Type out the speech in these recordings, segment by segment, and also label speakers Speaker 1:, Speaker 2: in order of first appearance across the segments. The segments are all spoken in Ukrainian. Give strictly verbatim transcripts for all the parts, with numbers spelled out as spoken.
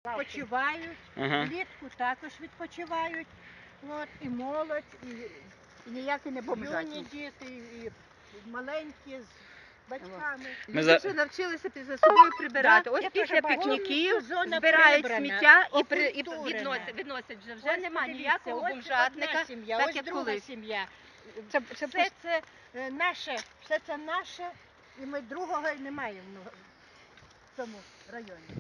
Speaker 1: Відпочивають,
Speaker 2: Ага.
Speaker 1: влітку також відпочивають. От, і молодь, і
Speaker 3: І ніякі не
Speaker 1: юні
Speaker 3: бомжатні.
Speaker 1: діти, і маленькі з батьками.
Speaker 2: Ми
Speaker 4: Люди
Speaker 2: за-
Speaker 4: вже навчилися під- за собою прибирати.
Speaker 1: Да,
Speaker 4: Ось
Speaker 1: я
Speaker 4: після
Speaker 1: теж бачу.
Speaker 4: пікніків
Speaker 1: Повністю зона
Speaker 4: збирають
Speaker 1: прибрана,
Speaker 4: сміття і, при, і
Speaker 1: окультурена.
Speaker 4: відносять, відносять вже. Вже
Speaker 1: Ось
Speaker 4: нема
Speaker 1: подивіться,
Speaker 4: ніякого
Speaker 1: ось
Speaker 4: бомжатника,
Speaker 1: одна сім'я,
Speaker 4: так
Speaker 1: ось
Speaker 4: як
Speaker 1: друга
Speaker 4: колись.
Speaker 1: сім'я.
Speaker 3: Це, це
Speaker 1: Все це е, наше, все це наше, і ми другого й не маємо в цьому районі.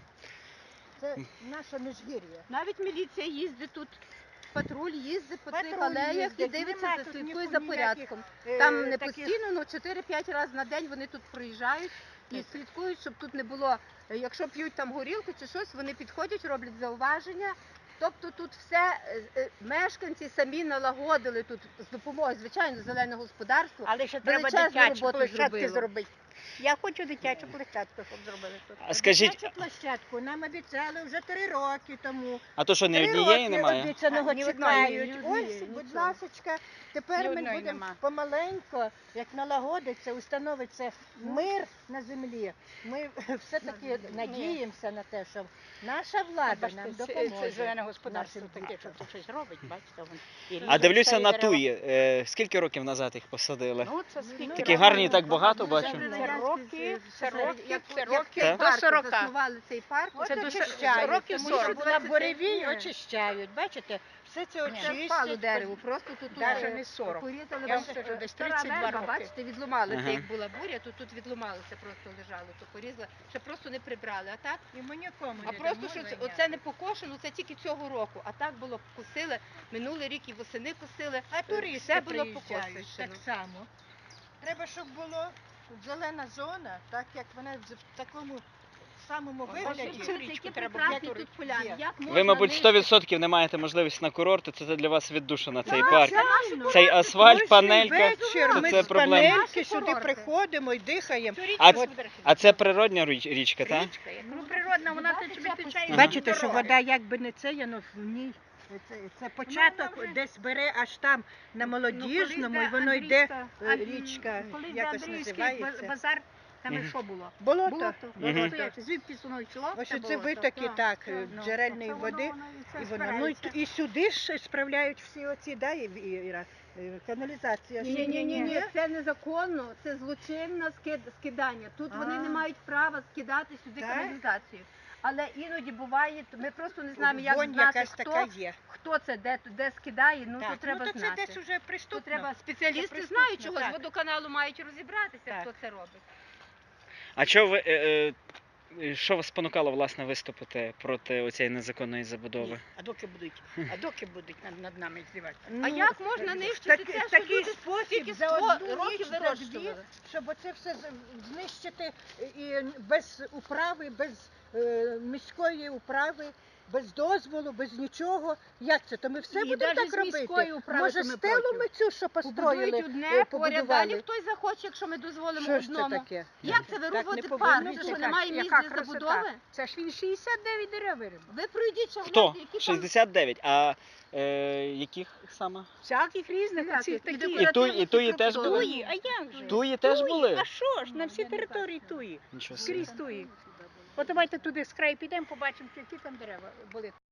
Speaker 1: Це наше Міжгір'я.
Speaker 4: Навіть міліція їздить тут, патруль їздить по цих
Speaker 1: Патруль
Speaker 4: алеях і
Speaker 1: їздить,
Speaker 4: дивиться,
Speaker 1: нема
Speaker 4: за
Speaker 1: тут
Speaker 4: слідкує
Speaker 1: ніяких,
Speaker 4: за порядком.
Speaker 1: е,
Speaker 4: Там не
Speaker 1: таких-
Speaker 4: постійно, ну чотири-п'ять разів на день вони тут проїжджають і
Speaker 1: Так.
Speaker 4: слідкують, щоб тут не було, е, якщо п'ють там горілку чи щось, вони підходять, роблять зауваження. Тобто тут все е, е, мешканці самі налагодили тут з допомогою, звичайно, зеленого господарства.
Speaker 3: Але ще треба
Speaker 4: величезну
Speaker 3: дитячу
Speaker 4: роботу
Speaker 3: площадку
Speaker 4: зробило.
Speaker 3: зробити. Я хочу дитячу площадку, щоб зробили тут.
Speaker 2: А скажіть,
Speaker 1: Дитячу площадку нам обіцяли вже три роки тому.
Speaker 2: а то що, ні
Speaker 1: Три
Speaker 2: однієї
Speaker 1: роки
Speaker 2: немає?
Speaker 1: обіцяного
Speaker 3: А, ні одної,
Speaker 1: чекають.
Speaker 3: ні однієї,
Speaker 1: Ось, будь
Speaker 3: нічого.
Speaker 1: ласочка, тепер
Speaker 3: Ні
Speaker 1: ми
Speaker 3: одної
Speaker 1: будемо
Speaker 3: нема.
Speaker 1: помаленько, як налагодиться, установиться мир на землі. Ми все-таки надіємося на те, що наша влада нам
Speaker 3: Це
Speaker 1: допоможе.
Speaker 3: зелене господарство
Speaker 1: нашим
Speaker 3: таке,
Speaker 1: дітям.
Speaker 3: що тут щось робить, бачите. вон. І
Speaker 2: А
Speaker 3: ріже
Speaker 2: дивлюся
Speaker 3: старі
Speaker 2: на
Speaker 3: дерева.
Speaker 2: туї. Е, скільки років назад їх посадили?
Speaker 3: Ну, це скільки
Speaker 2: Такі
Speaker 3: років?
Speaker 2: гарні, так багато бачу.
Speaker 3: Це роки, це
Speaker 4: Як-
Speaker 3: роки,
Speaker 4: як
Speaker 3: це
Speaker 4: як
Speaker 3: роки
Speaker 2: Так.
Speaker 3: до
Speaker 4: парк
Speaker 3: сорока.
Speaker 4: заснували цей парк,
Speaker 1: От
Speaker 3: Це до
Speaker 1: очищають,
Speaker 3: років
Speaker 1: тому що
Speaker 3: сорок.
Speaker 1: на буревій
Speaker 4: Ні.
Speaker 1: очищають. Бачите, все це
Speaker 4: це впало
Speaker 1: очистять.
Speaker 4: дерево, просто тут
Speaker 3: Даже
Speaker 4: е,
Speaker 3: не сорок.
Speaker 4: порізали,
Speaker 3: Я вам
Speaker 4: бачите,
Speaker 3: скажу, десь
Speaker 4: стара
Speaker 3: тридцять два
Speaker 4: верба,
Speaker 3: роки.
Speaker 4: бачите, відломалися,
Speaker 2: Ага.
Speaker 4: як була буря, то тут відломалося, просто лежало, то порізали, ще просто не прибрали, а так,
Speaker 1: І ми нікому
Speaker 4: а
Speaker 1: не
Speaker 4: просто,
Speaker 1: дамо
Speaker 4: що це-
Speaker 1: зайняти.
Speaker 4: оце не покошено, це тільки цього року, а так було косили, минулий рік і восени косили,
Speaker 1: А туристи
Speaker 4: все було
Speaker 1: приїжджають
Speaker 4: покошено.
Speaker 1: так само. Треба, щоб було зелена зона, так як вона в в такому самому вигляді.
Speaker 3: Цю річку
Speaker 4: Які
Speaker 3: треба
Speaker 4: прекрасні
Speaker 3: було
Speaker 4: тут поляни,
Speaker 1: є.
Speaker 4: як
Speaker 2: Ви,
Speaker 4: можна
Speaker 2: мабуть,
Speaker 4: нищити?
Speaker 2: сто відсотків не маєте можливості на курорти, це для вас віддушина цей
Speaker 1: Так,
Speaker 2: парк.
Speaker 1: звичайно.
Speaker 2: Цей асфальт,
Speaker 1: Кожен
Speaker 2: панелька,
Speaker 1: вечір
Speaker 2: то
Speaker 1: ми
Speaker 2: це
Speaker 1: з
Speaker 2: проблема.
Speaker 1: панельки сюди
Speaker 4: Курорти.
Speaker 1: приходимо і дихаємо.
Speaker 2: А, а це природня річ- річка, так?
Speaker 3: Річка, як ну природна, вона
Speaker 4: Вода
Speaker 3: тут
Speaker 4: тече
Speaker 3: відтічає.
Speaker 2: Ага.
Speaker 1: Бачите, що
Speaker 3: дороги.
Speaker 1: вода якби не це, воно в ній. Це, це початок
Speaker 4: вона вже-
Speaker 1: десь бере аж там на молодіжному, і воно йде е, річка, якось називається.
Speaker 3: базар, там і
Speaker 2: Мгм.
Speaker 3: що було?
Speaker 1: Болото.
Speaker 3: Болото.
Speaker 2: Мгм.
Speaker 3: Настояче. Звідки воно йшло?
Speaker 1: Ось
Speaker 3: це
Speaker 1: оце
Speaker 3: болото.
Speaker 1: витоки
Speaker 3: Так,
Speaker 1: так,
Speaker 3: так,
Speaker 1: е,
Speaker 3: ну.
Speaker 1: джерельної
Speaker 3: Це воно-
Speaker 1: води.
Speaker 3: воно і це
Speaker 1: І воно, ну, і,
Speaker 3: збирається.
Speaker 1: і сюди ж справляють всі оці, да, і, і, Іра, е, каналізація.
Speaker 4: Ні, ні, ні, ні, це незаконно, це злочинне скид- скидання. Тут вони
Speaker 1: А.
Speaker 4: не мають права скидати сюди
Speaker 1: Так?
Speaker 4: каналізацію. Але іноді буває, ми просто не знаємо, як
Speaker 1: Вонь
Speaker 4: знати,
Speaker 1: якась
Speaker 4: хто,
Speaker 1: така є.
Speaker 4: хто це, де, де скидає, ну
Speaker 1: Так,
Speaker 4: то треба
Speaker 1: ну, то
Speaker 4: знати.
Speaker 1: це десь уже
Speaker 4: То
Speaker 1: приступно.
Speaker 4: треба, спеціалісти
Speaker 1: Це
Speaker 4: знають,
Speaker 1: преступно,
Speaker 4: чого з
Speaker 1: так.
Speaker 4: водоканалу мають розібратися,
Speaker 1: Так.
Speaker 4: хто це робить.
Speaker 2: А що ви, е, е, що вас спонукало, власне, виступити проти оцієї незаконної забудови?
Speaker 3: Ні, А доки будуть, а доки будуть над, над нами здіватися?
Speaker 4: А
Speaker 1: Ну,
Speaker 4: як можна нищити
Speaker 1: так-
Speaker 4: те, що
Speaker 1: такий
Speaker 4: люди
Speaker 1: спосіб
Speaker 4: стільки
Speaker 1: за
Speaker 4: сто
Speaker 1: одну
Speaker 4: років
Speaker 1: ніч, за дві,
Speaker 4: вирощували?
Speaker 1: щоб оце все з- знищити і без управи, без е, міської управи, без дозволу, без нічого. Як це? То ми все
Speaker 4: І
Speaker 1: будемо
Speaker 4: даже
Speaker 1: так
Speaker 4: з міської
Speaker 1: робити?
Speaker 4: управи
Speaker 1: Може,
Speaker 4: то ми
Speaker 1: стелу
Speaker 4: проти.
Speaker 1: ми цю, що построїли,
Speaker 4: Побудують
Speaker 1: е,
Speaker 4: одне, поряд
Speaker 1: побудували?
Speaker 4: далі хтось захоче, якщо ми дозволимо
Speaker 1: Що ж це
Speaker 4: одному.
Speaker 1: таке?
Speaker 4: Як це ви
Speaker 1: Так не
Speaker 4: робите
Speaker 1: повинно
Speaker 4: парк?
Speaker 1: бути.
Speaker 4: Це що
Speaker 3: Яка-
Speaker 4: немає місць
Speaker 3: яка
Speaker 4: для
Speaker 3: красота?
Speaker 4: забудови?
Speaker 3: Це ж він шістдесят дев'ять дерев вирив.
Speaker 4: Ви пройдіть, що
Speaker 2: Хто?
Speaker 4: гляньте, які там
Speaker 2: шістдесят дев'ять. А е, яких саме?
Speaker 3: Всяких різних,
Speaker 4: Всяких.
Speaker 3: оцих
Speaker 4: І
Speaker 3: такі.
Speaker 2: І туї, і туї теж були?
Speaker 3: Туї, а як же?
Speaker 2: Туї теж були?
Speaker 3: А що ж, на всій території туї.
Speaker 2: Нічого собі.
Speaker 3: Скрізь туї. От давайте туди з краю підемо, побачимо, які там дерева були.